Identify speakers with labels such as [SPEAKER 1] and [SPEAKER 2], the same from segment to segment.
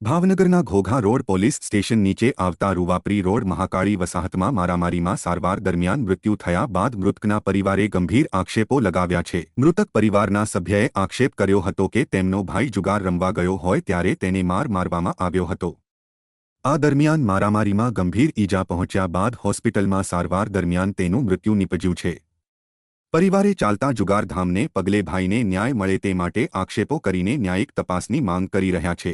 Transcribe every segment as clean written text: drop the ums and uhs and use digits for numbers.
[SPEAKER 1] ભાવનગરના Ghogha road police station નીચે આવતા રૂવાપરી રોડ મહાકાળી વસાહતમાં મારામારીમાં સારવાર દરમિયાન મૃત્યુ થયા બાદ મૃતકના પરિવારે ગંભીર આક્ષેપો લગાવ્યા છે। મૃતક પરિવારના સભ્યએ આક્ષેપ કર્યો હતો કે તેમનો ભાઈ જુગાર રમવા ગયો હોય ત્યારે તેને મારવામાં આવ્યો હતો। આ દરમિયાન મારામારીમાં ગંભીર ઈજા પહોંચ્યા બાદ હોસ્પિટલમાં સારવાર દરમિયાન તેનું મૃત્યુ નિપજ્યું છે। પરિવારે ચાલતા જુગારધામને પગલે ભાઈને ન્યાય મળે તે માટે આક્ષેપો કરીને ન્યાયિક તપાસની માંગ કરી રહ્યા છે।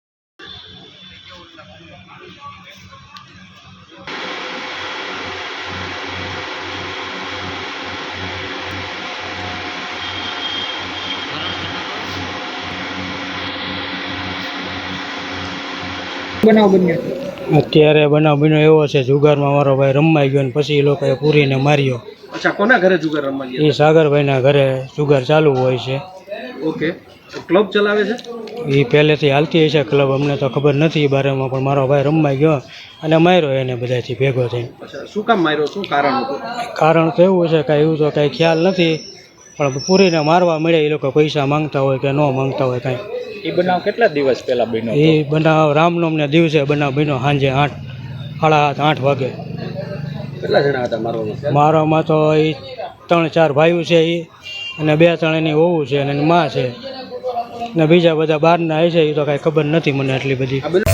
[SPEAKER 2] બનાવ બન્યો
[SPEAKER 3] અત્યારે બનાવ બન્યો એવો છે, જુગારમાં મારો ભાઈ રમાઈ ગયો ને પછી એ લોકોએ પૂરીને માર્યો।
[SPEAKER 2] અચ્છા, કોના ઘરે જુગાર રમવા ગયા?
[SPEAKER 3] એ સાગરભાઈના ઘરે જુગાર ચાલુ હોય છે।
[SPEAKER 2] ઓકે, ક્લબ ચલાવે છે?
[SPEAKER 3] એ પહેલેથી હાલતી હશે ક્લબ, અમને તો ખબર નથી એ બારેમાં, પણ મારો ભાઈ રમાઈ ગયો અને માર્યો એને બધાથી ભેગો થઈને।
[SPEAKER 2] અચ્છા, શું કામ માર્યો? શું કારણ હતું?
[SPEAKER 3] કારણ તો એવું છે કાંઈ એવું તો કાંઈ ખ્યાલ નથી, પણ પૂરીને મારવા મળે એ લોકો પૈસા માંગતા હોય કે ન માંગતા હોય કાંઈ।
[SPEAKER 4] એ બનાવ કેટલા દિવસ પહેલા બન્યો?
[SPEAKER 3] એ બનાવ રામનવમીના દિવસે બનાવ બન્યો, સાંજે 7:30 વાગે।
[SPEAKER 2] કેટલા જણા હતા મારવામાં?
[SPEAKER 3] મારામાં તો એ 3-4 ભાઈઓ છે એ, અને 2-3 એની વહુ છે અને એની માં છે, ને બીજા બધા બહારના છે એ તો કાંઈ ખબર નથી મને એટલી બધી।